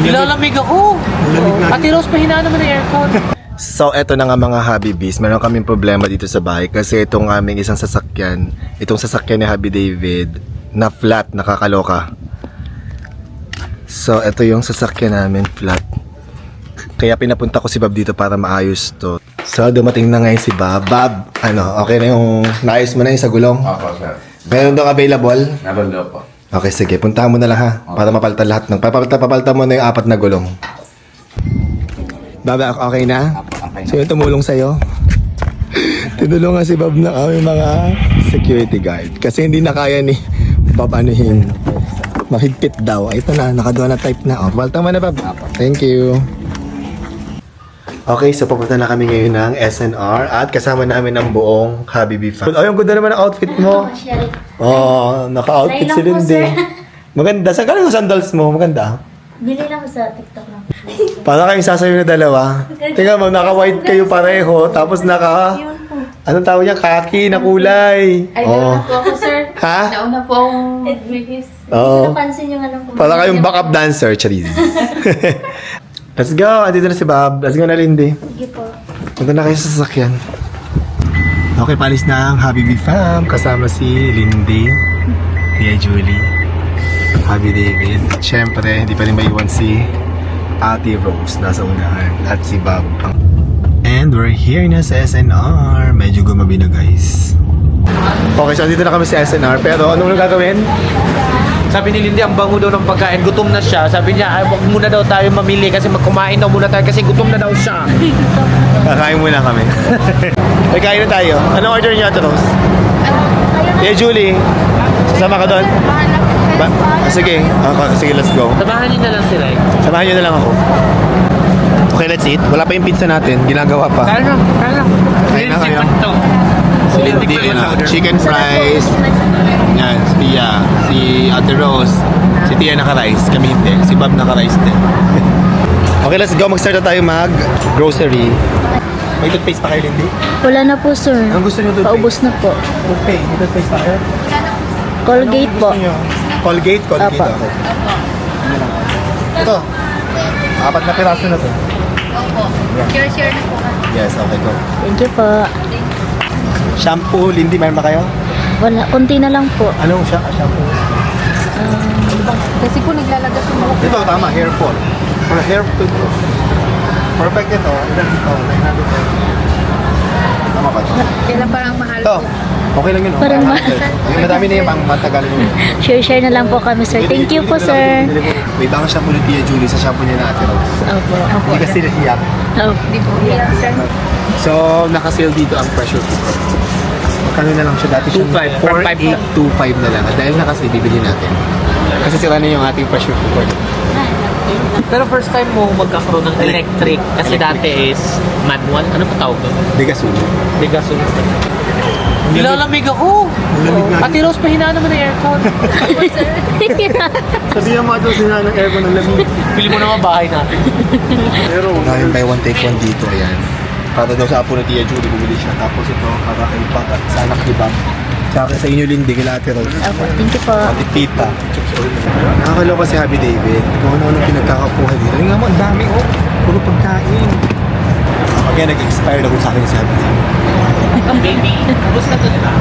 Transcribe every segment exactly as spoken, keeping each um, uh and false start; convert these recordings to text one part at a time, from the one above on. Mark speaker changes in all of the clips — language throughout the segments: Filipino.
Speaker 1: Nilalamig ako. Ate Rose, pahinaan naman ang aircon.
Speaker 2: So, eto na nga mga Happy Bees. Meron kaming problema dito sa bahay kasi itong aming isang sasakyan, itong sasakyan ni Happy David, na flat, nakakaloka. So, eto yung sasakyan namin, flat. Kaya pinapunta ko si Bob dito para maayos to. So, dumating na ngayon si Bob. Bob, ano, okay na yung, naayos mo na yung sa gulong?
Speaker 3: Opo, sir.
Speaker 2: Meron daw available?
Speaker 3: Nabalo po.
Speaker 2: Okay, sige. Puntahan mo na lang ha. Para mapalitan lahat ng... Papalitan, papalitan mo na yung apat na gulong. Bob, okay na?
Speaker 3: Okay.
Speaker 2: Sino tumulong sa'yo? Tinulungan si Bob na kami mga security guard. Kasi hindi na kaya ni Bob anuhin. Mahigpit daw. Ito na, nakaduwa na type na. O, papalitan mo na, Bob. Thank you. Okay, so papunta na kami ngayon ng S N R at kasama namin ang buong Habibi fan. Ay, ang ganda naman ang outfit mo. Oh, naka-outfit si Lindy. Maganda. Saan ka lang yung sandals mo? Maganda.
Speaker 4: Bili lang sa TikTok lang.
Speaker 2: Para kayong sasayo na dalawa. Tingnan mo, naka-white kayo pareho. Tapos naka... Anong tawag niya? Kaki na kulay.
Speaker 4: Ay,
Speaker 2: Oh.
Speaker 4: nauna po ako, sir.
Speaker 2: Ha?
Speaker 4: Nauna po akong Edwigis.
Speaker 2: Oo.
Speaker 4: Napansin yung anong kumain.
Speaker 2: Para kayong backup dancer, Charis. Let's go. Andito na si Bob. Let's go na, Lindy.
Speaker 4: Sige po.
Speaker 2: Punta na kayo sa sasakyan. Okay, palis na ang Habibi fam. Kasama si Lindy, Tia Julie, Happy David. Siyempre, hindi pa rin maiwan si Ate Rose nasa unahan at si Bob. And we're here na sa S N R. Medyo gumabi na, guys. Okay, so dito na kami sa S N R. Pero anong gagawin?
Speaker 1: Sabi ni Lindy, ang bango daw ng pagkain. Gutom na siya. Sabi niya, ay, wag muna daw tayo mamili kasi magkumain daw muna tayo kasi gutom na daw siya.
Speaker 2: Kakain muna kami. Ay, kain na tayo. Anong order niyo, Ate Rose? Tia Julie, sasama ka doon? Ba ah, sige. Okay, sige, let's go.
Speaker 1: Samahan niyo na lang sila eh.
Speaker 2: Samahan niyo na lang ako. Okay, let's eat. Wala pa yung pizza natin. Ginagawa pa.
Speaker 1: Kaya na, kaya na.
Speaker 2: Kain na kayo.
Speaker 1: Ito.
Speaker 2: Si Lindy, yun ah. Chicken fries. Yan, si Tia. Si Ate Rose. Si Tia naka-rice. Kami hindi. Si Bob naka-rice din. Okay, let's go. Mag-start na tayo mag-grocery. May toothpaste pa kayo, Lindy?
Speaker 4: Wala na po, sir.
Speaker 2: Anong gusto niyo toothpaste?
Speaker 4: Paubos na po.
Speaker 2: Toothpaste. May toothpaste pa kayo?
Speaker 4: Colgate po.
Speaker 2: Gusto niyo? Colgate? Colgate
Speaker 4: Apa.
Speaker 2: ako. Ito. Apat na piraso na to.
Speaker 4: Opo. Share-share na po.
Speaker 2: Yes, okay, go.
Speaker 4: Thank you po.
Speaker 2: Shampoo, Lindy, mayroon ba kayo?
Speaker 4: Wala, konti na lang po.
Speaker 2: Anong sha- shampoo?
Speaker 4: Kasi po naglalagas yung mga
Speaker 2: Ito, tama, hair fall. For hair toothbrush. Perfect ito. Ilan ito? nine hundred. Tama ba ito?
Speaker 4: Kailan parang mahal
Speaker 2: Ito. Okay lang yun. oh.
Speaker 4: Parang
Speaker 2: five hundred. Yung madami na yung pang matagal yun.
Speaker 4: Share-share na lang po kami, sir. Thank you po, sir.
Speaker 2: May ibang shampoo ni Tia Julie sa shampoo niya na Ate Rose.
Speaker 4: Opo.
Speaker 2: Hindi kasi nahiyak.
Speaker 4: Opo. Di po. sir.
Speaker 2: So, naka-sale dito ang pressure cooker. Magkano na lang siya? Dati siya
Speaker 1: two five.
Speaker 2: four eight two five na lang. At dahil naka-sale, bibili natin. Kasi sira na yung ating pressure cooker.
Speaker 1: Pero first time mo magkakaroon ng electric kasi dati is manual. Ano pa tawag doon?
Speaker 2: Bigasun.
Speaker 1: Bigasun. Nilalamig ako.
Speaker 2: Nilalamig nga.
Speaker 1: Ate Rose, pahinaan naman ang aircon.
Speaker 2: Sabihan mo ito sila ng aircon ng lamig.
Speaker 1: Pili mo naman bahay natin.
Speaker 2: Pero ngayon buy one take one dito, ayan. Para daw sa apo ni Tia Julie, bumili siya. Tapos ito, para kay Bob at sa anak ni Bob. Tsaka sa inyo, Lindy, kila Ate Rose.
Speaker 4: Opo. Thank you po.
Speaker 2: Ate Tita. Nakakaloka si Happy David. Kung ano-ano pinagkakapuhan dito. Ay nga mo, ang dami oh. Puro pagkain. Kaya nag-expire na kung sa akin si Happy David.
Speaker 1: Baby, gusto to diba?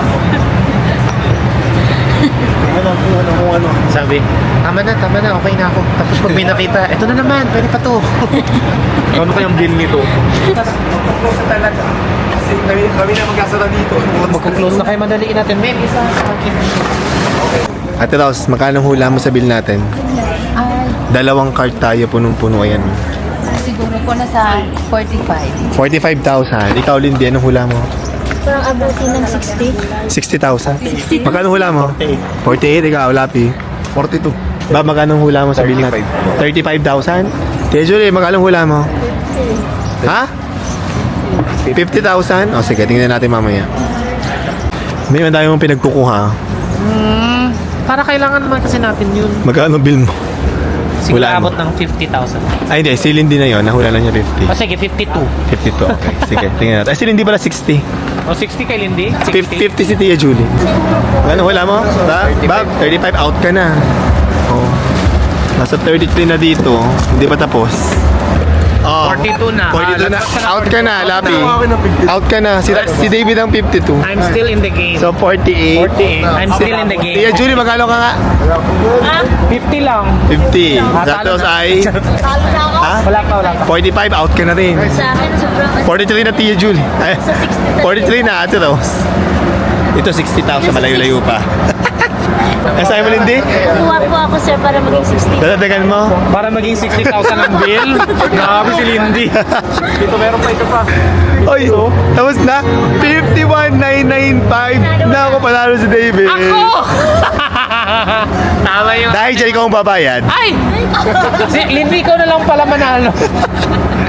Speaker 2: Ano, kung ano, kung ano.
Speaker 1: Sabi, tama na, tama na, okay na ako. Tapos pag may nakita, eto na naman, pwede pa to. Ano kayang bill nito?
Speaker 2: Magkuklose na talaga. Kasi kami, kami na mag-asara dito.
Speaker 1: Magkuklose na kayo, madaliin natin. May isa sa akin.
Speaker 2: Ate Rose, magkano hula mo sa bill natin?
Speaker 4: Ay,
Speaker 2: Dalawang cart tayo, punong-puno. Ayan.
Speaker 4: siguro po na sa forty-five.
Speaker 2: forty-five thousand. Ikaw, Lindy, anong hula mo?
Speaker 4: Parang abutin ng sixty.
Speaker 2: sixty thousand. Magkano hula mo? forty-eight. Ikaw, Lapi. forty-two. Ba, magkano hula mo sa bill natin? thirty-five thousand. Tia Julie, magkano hula mo? Ha? fifty thousand? O sige, tingnan natin mamaya. May madami mong pinagkukuha.
Speaker 1: Hmm, para kailangan naman kasi natin yun.
Speaker 2: Magkano bill mo?
Speaker 1: Siguro
Speaker 2: Hulaan mo.
Speaker 1: abot ng fifty thousand.
Speaker 2: Ay, hindi. Si Lindy na yun. Nahula na niya fifty.
Speaker 1: O sige, fifty-two.
Speaker 2: fifty-two. Okay. Sige, tingnan natin. Ay, si Lindy pala sixty.
Speaker 1: O sixty kay Lindy?
Speaker 2: fifty, fifty si Tia Julie. Ano hula mo? Ba? Bob, thirty-five out ka na. Oh. Nasa thirty-three na dito. Hindi pa tapos. Oh,
Speaker 1: forty-two na.
Speaker 2: forty-two na.
Speaker 1: Ah, lagpas ka na
Speaker 2: Out ka na,
Speaker 1: forty-two
Speaker 2: Lapi.
Speaker 1: na.
Speaker 2: Out ka na. Si, si David ang fifty-two.
Speaker 1: I'm still in the game.
Speaker 2: So, forty-eight.
Speaker 1: forty-eight. I'm still in the game.
Speaker 2: Tia Julie, magkano ka nga?
Speaker 1: fifty lang.
Speaker 2: fifty.
Speaker 1: Talo
Speaker 2: Tapos
Speaker 1: na.
Speaker 2: ay... Ha?
Speaker 1: Wala ka, wala ka.
Speaker 2: forty-five, out ka na rin.
Speaker 4: Sa akin, sobrang...
Speaker 2: forty-three na Tia Julie. Ay, forty-three na Ate Rose. Ito sixty thousand, malayo-layo pa. Ang sa'yo mo, Lindy?
Speaker 4: Kuha po ako, sir, para maging sixty.
Speaker 2: Dadagdagan mo?
Speaker 1: Para maging sixty thousand ang bill. Grabe si Lindy. Dito meron pa ito pa.
Speaker 2: Oy, tapos na? fifty-one nine ninety-five na ako panalo si David.
Speaker 1: Ako! Tama yung...
Speaker 2: Dahil dyan ikaw ang babayad.
Speaker 1: Ay! Si Lindy, ikaw na lang pala manalo.